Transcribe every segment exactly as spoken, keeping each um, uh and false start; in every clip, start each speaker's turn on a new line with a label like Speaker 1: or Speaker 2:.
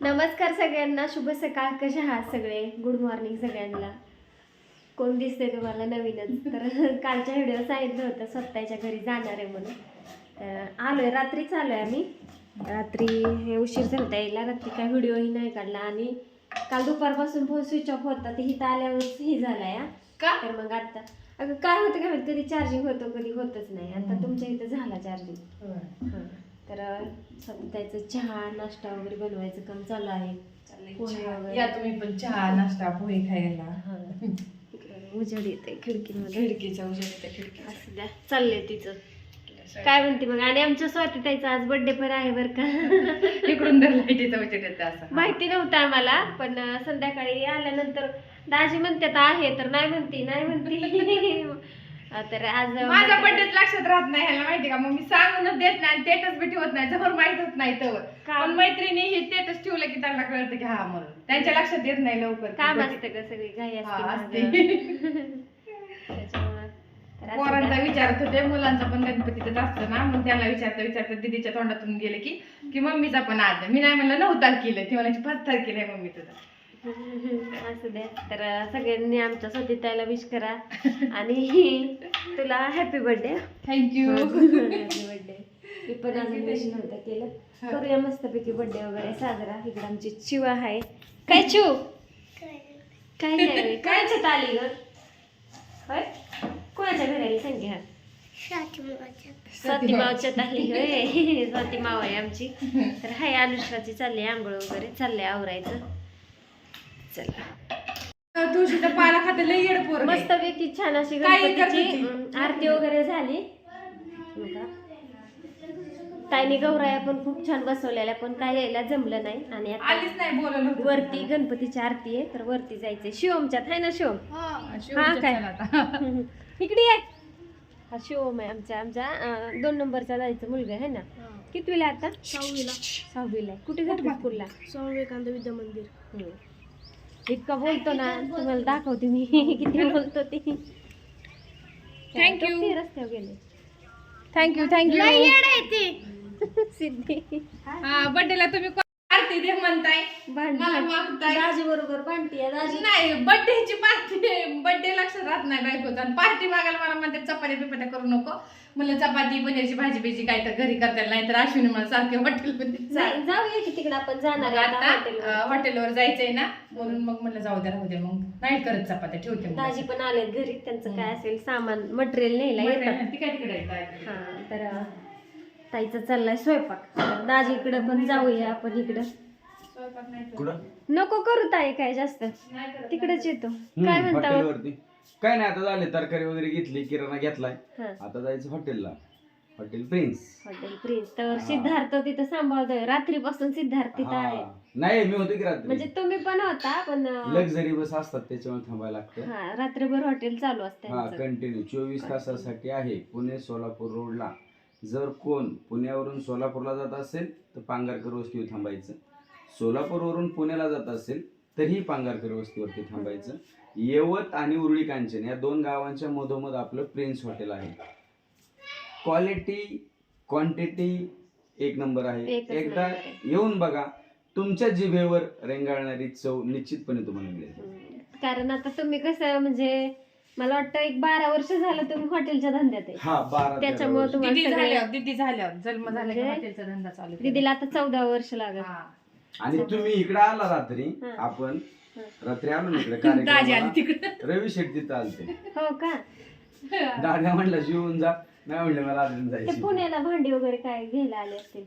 Speaker 1: नमस्कार सगळ्यांना, शुभ सकाळ. कशा आहात सगळे? गुड मॉर्निंग सगळ्यांना. कोण दिसते तुम्हाला नवीनच? तर कालच्या व्हिडिओ सांगितलं होतं स्वतःच्या घरी जाणार आहे म्हणून. तर आलोय, रात्रीच आलोय आम्ही. रात्री हे उशीर झाला यायला, रात्री काय व्हिडिओही नाही काढला आणि काल दुपारपासून फोन स्विच ऑफ होता. ते हिथं आल्यावरच ही झाला या का. तर मग आता अगं काय होतं काय माहिती, कधी चार्जिंग होतो कधी होतच नाही. आता तुमच्या इथं झाला चार्जिंग. हां, तर त्याचं चहा नाश्ता वगैरे बनवायचं काम चालू आहे. पोहे वगैरे.
Speaker 2: या तुम्ही पण चहा नाश्ता पोहे खायला.
Speaker 1: हां, उजेड येते खिडकीमध्ये,
Speaker 2: खिडकीच्या उजेड येते खिडकी.
Speaker 1: असं द्या चाललंय तिचं. काय म्हणते मग? आणि आमच्या स्वातीताईचा आज बर्थडे पण आहे बरं का.
Speaker 2: इकडून तर लाईटीचा उजेड येते असं.
Speaker 1: माहिती नव्हतं आम्हाला, पण संध्याकाळी आल्यानंतर दाजी म्हणतात आहे, तर नाही म्हणते नाही म्हणते. तर आज
Speaker 2: माझ्या बर्थडेच लक्षात राहत नाही, ह्याला माहिती का. मग मी सांगूनच देत नाही, स्टेटस बी ठेवत नाही, जवळ माहित होत नाही तर. पण मैत्रिणी हे स्टेटस ठेवलं की त्यांना कळतं की हा म्हणून, त्यांच्या लक्षात येत नाही लवकर.
Speaker 1: काम असतं का, सगळी घाई असते. त्याच्यामुळे
Speaker 2: पोरांचा विचारत होते, मुलांचा पण गणपतीच असतं ना, मग त्याला विचारता विचारता दीदीच्या तोंडातून गेले की की मम्मीचा पण आज. मी नाही म्हणलं नऊ तारखेला, ती म्हणायची पाच तारखेला आहे मम्मी तुझा.
Speaker 1: असू द्या. तर सगळ्यांनी आमच्या स्वतःला विश करा आणि तुला happy birthday.
Speaker 2: Thank you.
Speaker 1: Happy birthday. मी पण अजून विश नव्हतं केलं. करूया मस्तपैकी बर्थडे वगैरे साजरा. इकडे आमची चिव आहे. काय चिव? काय नाही, काय छत आली ग? होय, कोणाच्या घराला सांगे? हा, स्वाती मावच्यात आली होय. स्वाती माव आहे आमची. तर हाय, अनुष्काची चालली आंघोळ वगैरे चाललंय आवरायचं. चला,
Speaker 2: तुळशीचा पाला खाते लई येड पोर.
Speaker 1: मस्त पैकी छान अशी
Speaker 2: काय
Speaker 1: गणपतीची आरती वगैरे झाली. ताईने गौराया पण खूप छान बसवलेल्या, पण काय यायला जमलं नाही. आणि
Speaker 2: आलीच नाही, बोलवलं होतं.
Speaker 1: वरती गणपतीची आरती आहे, तर वरती जायचंय. शिवमच्यात आहे ना शिवम? हा काय इकडे आहे. हा शिवम आहे आमच्या आमच्या अं, दोन नंबरचा जायचं मुलगा आहे ना. कितवीला आता?
Speaker 3: सहावीला.
Speaker 1: सहावीला आहे. कुठे जातो स्कूलला?
Speaker 3: स्वामी विवेकानंद विद्या मंदिर.
Speaker 1: इतका बोलतो ना, तुम्हाला दाखवते मी किती बोलतो ते.
Speaker 2: थँक्यू.
Speaker 1: रस्त्यावर गेले.
Speaker 2: Thank you thank you.
Speaker 1: सिद्धी
Speaker 2: हा, बर्थडेला तुम्ही पार्टी दे म्हणताय, मला मागताय.
Speaker 1: दाजी बरोबर भांडती आहे दाजी.
Speaker 2: नाही, बर्थडेची पार्टी, बर्थडे लक्षात राहत नाही बायकोचा. आणि पार्टी मागायला मला म्हणते चपात्या बिपात्या करू नको. म्हणलं चपाती पनीरची भाजी बिजी काय तर घरी करता नाही तर अश्विनी मला सारखे हॉटेलमध्ये
Speaker 1: जाऊया की तिकडे आपण जाणार आहे आता हॉटेलवर.
Speaker 2: आता हॉटेलवर जायचंय ना, म्हणून मग म्हणलं जाऊ द्या राहू द्या, मग नाही करत चपात्या ठेवते मग.
Speaker 1: दाजी पण आलेत घरी, त्यांचं काय असेल सामान मटेरियल न्यायला येतात.
Speaker 2: ती काय तिकडे
Speaker 1: हा, तर ताईचा चाललाय स्वयंपाक. तर दाजी इकडे पण जाऊया आपण. इकडं
Speaker 2: स्वयंपाक नाही
Speaker 1: नको करू ताई काय जास्त, तिकडेच येतो. काय म्हणता?
Speaker 4: हॉटेलवरती काय नाही, आता झाले तरकारी वगैरे घेतली, किराणा घेतलाय,
Speaker 1: हा,
Speaker 4: आता जायचं हॉटेलला. Hotel Prince.
Speaker 1: Hotel Prince. तर सिद्धार्थ तिथं सांभाळतोय रात्रीपासून. सिद्धार्थ तिथं आहे.
Speaker 4: हा. नाही, मी होतो की रात्री.
Speaker 1: म्हणजे तुम्ही पण होता, पण
Speaker 4: लक्झरी बस असतात त्याच्यामुळे थांबायला लागतं.
Speaker 1: हा, रात्रभर हॉटेल चालू असतं
Speaker 4: हा,
Speaker 1: त्यांचं.
Speaker 4: कंटिन्यू चोवीस तासासाठी आहे. पुणे सोलापूर रोडला जर कोण पुण्यावरून सोलापूरला जात असेल तर पांगारकर वस्तीवर थांबायचं. सोलापूरवरून पुण्याला जात असेल तरीही पांगारकर वस्तीवरती थांबायचं. येवत आणि उरुळी कांचन या दोन गावांच्या मधोमध आपलं प्रिन्स हॉटेल आहे. क्वालिटी क्वांटिटी एक नंबर आहे.
Speaker 1: एकच
Speaker 4: एकदा
Speaker 1: नंबर आहे.
Speaker 4: येऊन बघा, तुमच्या जिभेवर रेंगाळणारी चव निश्चितपणे तुम्हाला मिळेल.
Speaker 1: हम्म. कारण आता तुम्ही कसं, म्हणजे मला वाटतं एक बारा वर्ष झालं तुम्ही हॉटेलच्या धंद्यात आहे.
Speaker 4: हा, बारा
Speaker 1: त्याच्यामुळे
Speaker 4: तेरा
Speaker 1: तुम्हाला
Speaker 2: दिदी
Speaker 1: सगळे-
Speaker 2: झाल्यावर दिदी झाल्यावर जन्म झाला की
Speaker 1: म्हणजे
Speaker 2: हॉटेलचा धंदा चालू केला.
Speaker 1: दीदीला आता चौदा वर्ष लागत.
Speaker 2: हा.
Speaker 4: वर्ष. आणि तुम्ही इकडे आला रात्री,
Speaker 1: हा.
Speaker 4: आपण
Speaker 1: हा.
Speaker 4: रात्री आलो ना इकडे
Speaker 2: दाजी आली
Speaker 4: कार्यक्रमाला.
Speaker 2: तिकडे.
Speaker 4: रवी शेट्टी चालते.
Speaker 1: हो का?
Speaker 4: दादा म्हणलं जेवून जा, नाही म्हणलं मला अजून
Speaker 1: ते
Speaker 4: जायचं.
Speaker 1: पुण्याला भांडी वगैरे काय घ्यायला आले असतील.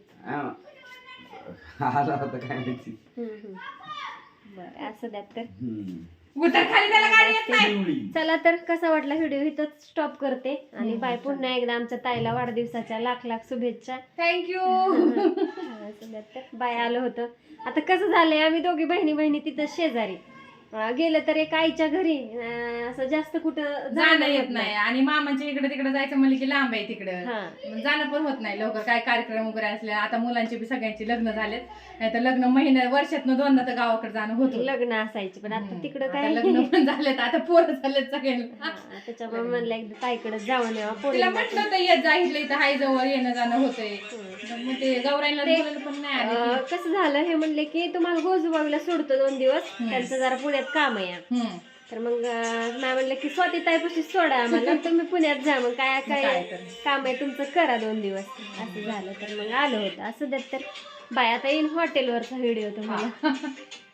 Speaker 4: आला होता काय माहिती.
Speaker 1: हम्म, हम्म. बरं, असं द्या. तर
Speaker 4: हम्म.
Speaker 2: उतर खाली त्याला गाडी येत नाही.
Speaker 4: पिवळी.
Speaker 1: चला, तर कसा वाटला व्हिडिओ इथंच स्टॉप करते. आणि बाय. पुन्हा एकदा आमच्या ताईला वाढदिवसाच्या लाख लाख शुभेच्छा.
Speaker 2: थँक्यू.
Speaker 1: असं द्या. तर बाय. आलो होतं. आता कसं झालंय, आम्ही दोघी बहिणी बहिणी तिथं शेजारी. अं, गेलं तर एक आईच्या घरी अं, असं जास्त कुठं
Speaker 2: जाणं
Speaker 1: होत
Speaker 2: येत नाही आणि मामाच्या इकडे तिकडे जायचं म्हणलं की लांब आहे तिकडं
Speaker 1: हा
Speaker 2: मग जाणं पण होत नाही लवकर काय कार्यक्रम वगैरे असले आता मुलांचे बी सगळ्यांची लग्न झालेत नाही तर लग्न महिन्या वर्षातनं दोनदा तर गावाकडे जाणं होत होतं.
Speaker 1: लग्न असायची पण आता
Speaker 2: हम्म.
Speaker 1: तिकडं
Speaker 2: आता
Speaker 1: काय
Speaker 2: लग्न पण झालेत आता पोरं झालेत सगळ्यांना
Speaker 1: हा, त्याच्यामुळे म्हणलं एकदा ताईकडे जाऊन यावं
Speaker 2: तिला
Speaker 1: पोरीला
Speaker 2: म्हटलं होतं येत जा इथलं इथं हाय जवळ येणं जाणं होतंय
Speaker 1: हम्म.
Speaker 2: मग ते गौराईला
Speaker 1: ते-
Speaker 2: बोलायला पण नाही आले
Speaker 1: अं,
Speaker 2: की.
Speaker 1: कसं झालं हे म्हणले की तुम्हाला गोजूबाईला सोडतो दोन दिवस
Speaker 2: हम्म.
Speaker 1: त्यांचं जरा पुण्यात काम आहे
Speaker 2: हम्म.
Speaker 1: तर मग अं, नाही म्हणलं की स्वाती ताईपाशी सोडा आम्हाला तुम्ही पुण्यात जा मग काय
Speaker 2: काय
Speaker 1: काय
Speaker 2: तर.
Speaker 1: काम आहे तुमचं करा दोन दिवस असं झालं तर मग आलं होतं असं देत तर बाय आता येईन हॉटेलवरचा व्हिडिओ तुम्हाला